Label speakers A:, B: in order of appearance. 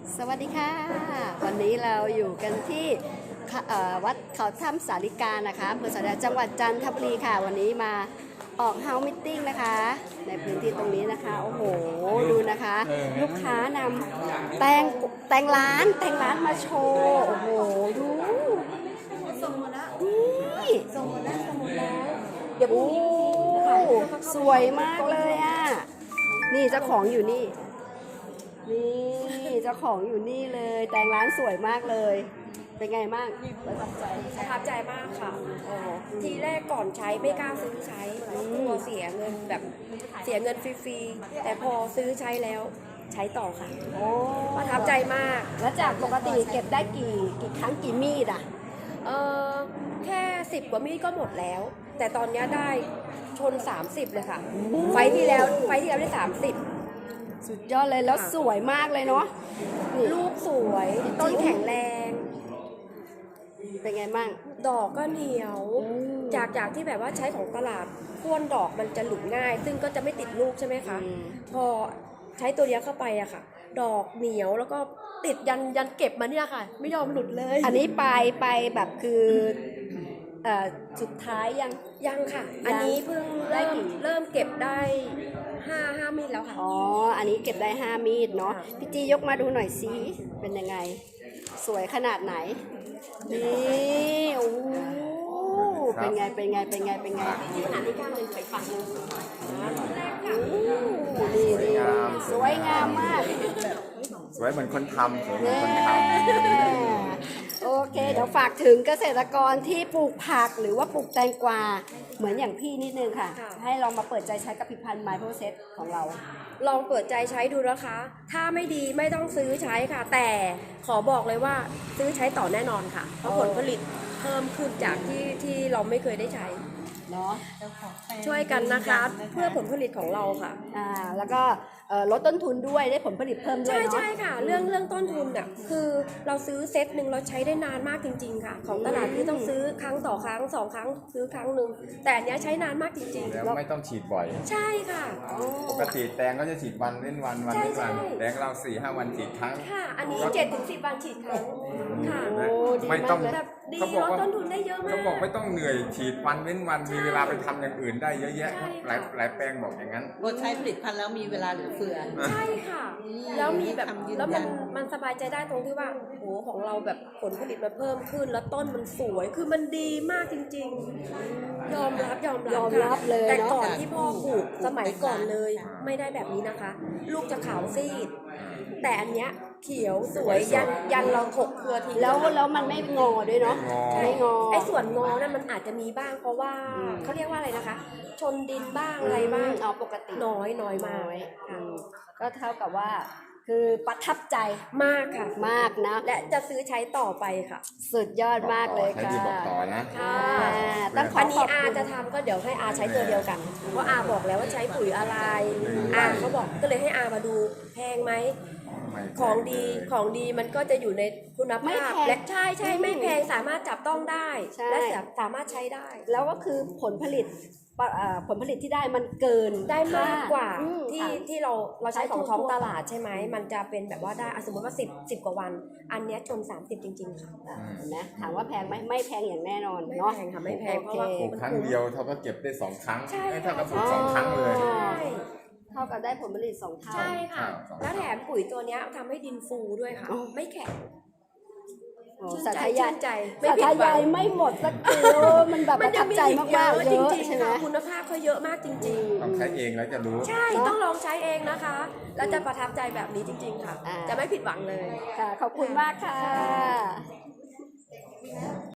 A: สวัสดีค่ะวันนี้เราอยู่กันที่วัดเขาถ้ำสาลิกานะคะอำเภอสาลิกาจังหวัดจันทบุรีค่ะวันนี้มาออกเฮาส์มิทติ้งนะคะในพื้นที่ตรงนี้นะคะโอ้โหดูนะคะลูกค้านำแต่งร้านมาโชว์โอ้โหดูส่งหมดแล้วนี่ส่งหมดแล้วเดี๋ยวสวยมากเลยอ่ะนี่เจ้าของอยู่นี่เจ้าของอยู่นี่เลยแต่งร้านสวยมากเลยเป็นไงบ้างประทับใจ
B: มากค่ะทีแรกก่อนใช้ไม่กล้าซื้อใช้เพราะกลัวเสียเงินฟรีๆแต่พอซื้อใช้แล้วใช้ต่อค่ะประทับใจมาก
A: แล้วจากปกติเก็บได้กี่ครั้งกี่มีดอ่ะ
B: แค่10 กว่ามีดก็หมดแล้วแต่ตอนนี้ได้ชน30เลยค่ะไฟที่แล้วได้30
A: สุดยอดเลยแล้วสวยมากเลยเนาะ
B: ลูกสวยต้นแข็งแรง
A: เป็นไงบ้าง
B: ดอกก็เหนียวจากที่แบบว่าใช้ของตลาดพ่วนดอกมันจะหลุดง่ายซึ่งก็จะไม่ติดลูกใช่ไหมคะพอใช้ตัวนี้เข้าไปอะค่ะดอกเหนียวแล้วก็ติดยันเก็บมาเนี่ยค่ะไม่ยอมหลุดเลย
A: อันนี้ไปแบบคือสุดท้าย
B: ยังค่ะอันนี้เพิ่งเริ่มเก็บได้5 มีดแล้วค่ะ
A: อ๋ออันนี้เก็บได้5 มีดเนาะพี่จียกมาดูหน่อยสิเป็นยังไงสวยขนาดไหนนี่โอ้เป็นไง
B: ที่ขนาดที่ก้าวเลยไปฝั่งนึง
A: นี่สวยงามมาก
C: สวยเหมือนคนทำ
A: โอเคเดี๋ยวฝากถึงเกษตรกรที่ปลูกผักหรือว่าปลูกแตงกวาเหมือนอย่างพี่นิดนึงค่ะให้ลองมาเปิดใจใช้กับผลิตภัณฑ์ My Process ของเรา
B: ลองเปิดใจใช้ดูนะคะถ้าไม่ดีไม่ต้องซื้อใช้ค่ะแต่ขอบอกเลยว่าซื้อใช้ต่อแน่นอนค่ะเพราะผลผลิตเพิ่มขึ้นจากที่เราไม่เคยได้ใช้
A: เนาะ
B: ช่วยกันนะคะเพื่อผลผลิตของเราค่ะ
A: แล้วก็ลดต้นทุนด้วยได้ผลผลิตเพิ่มด้วย
B: ใช่ค่ะเรื่องต้นทุนเนี่ยคือเราซื้อเซตหนึ่งเราใช้ได้นานมากจริงๆค่ะของตลาดที่ต้องซื้อครั้งต่อครั้ง2 ครั้งซื้อครั้งหนึ่งแต่อันนี้ใช้นานมากจริงๆ
C: แล้วไม่ต้องฉีดบ่อย
B: ใช่ค่ะ
C: ปกติแตงก็จะฉีดวันเว้นวันแตงเรา4-5 วันฉีดครั้ง
B: ค่ะอันนี้7-10 วันฉีดครั้งค่ะ
C: ไม่ต้อง
B: ดีลดต้นทุนได้เยอะมาก
C: เขาบอกไม่ต้องเหนื่อยฉีดวันเว้นวันมีเวลาไปทำอย่างอื่นได้เยอะแยะหลายแปลงบอกอย่างนั้น
D: ใช้ผลิตภัณฑ์แล้วมีเวลาเหลือเฟือ
B: ใช่ค่ะแล้วมีแบบแล้วมันสบายใจได้ตรงที่ว่าโหของเราแบบผลผลิตมันเพิ่มขึ้นแล้วต้นมันสวยคือมันดีมากจริงๆยอมรับ
A: เลย
B: แต่ก่อนที่พ่อปลูกสมัยก่อนเลยไม่ได้แบบนี้นะคะลูกจะขาวซีดแต่อันเนี้ยเขียวสวยยันเราถกเครือที
A: แล้วมันไม่งอด้วยเนาะไม่งอ
B: ไอ้ส่วนงอนั่นมันอาจจะมีบ้างเพราะว่าเขาเรียกว่าอะไรนะคะชนดินบ้างอะไรบ้าง
A: ปกติ
B: น้อยมาก
A: ก็เท่ากับว่าคือประทับใจ
B: มากค่ะ
A: มากนะ
B: และจะซื้อใช้ต่อไปค่ะ
A: สุดยอดมากเลยค่ะ
C: บอกต่อนะ
B: อันนี้อาจะทำก็เดี๋ยวให้อาใช้ตัวเดียวกันเพราะอาบอกแล้วว่าใช้ปุ๋ยอะไรเขาบอกก็เลยให้อามาดูแพงไหมของดีมันก็จะอยู่ในคุณภาพและใช่ไม่แพงสามารถจับต้องได้และสามารถใช้ได้
A: แล้วก็คือผลผลิตที่ได้มันเกิน
B: ได้มากกว่าที่เราใช้ของท้องตลาดใช่ไหมมันจะเป็นแบบว่าได้สมมติว่า10 กว่าวันอันนี้ชน30จริงๆค่ะ
A: นะถามว่าแพงไหมไม่แพงอย่างแน่นอน
B: เนาะไม่แพงเพราะว่า
C: ครั้งเดียวเท่ากับเก็บได้2 ครั้งเท่ากับปลูก2 ครั้งเลย
A: เท่ากับได้ผลผลิต2 เท่า
B: ใช่ค่ะแล้วแถมปุ๋ยตัวนี้ทำให้ดินฟูด้วยค่ะไม่แข็ง
A: สาธยายไม่หมดสักทีมันแบบประทับใจมากๆเยอะใช่ไหม
B: คุณภาพเขาเยอะมากจริง
C: ๆต้องใช้เองแล้วจะรู้
B: ใช่ต้องลองใช้เองนะคะแล้วจะประทับใจแบบนี้จริงๆค่ะจะไม่ผิดหวังเลย
A: ขอบคุณมากค่ะ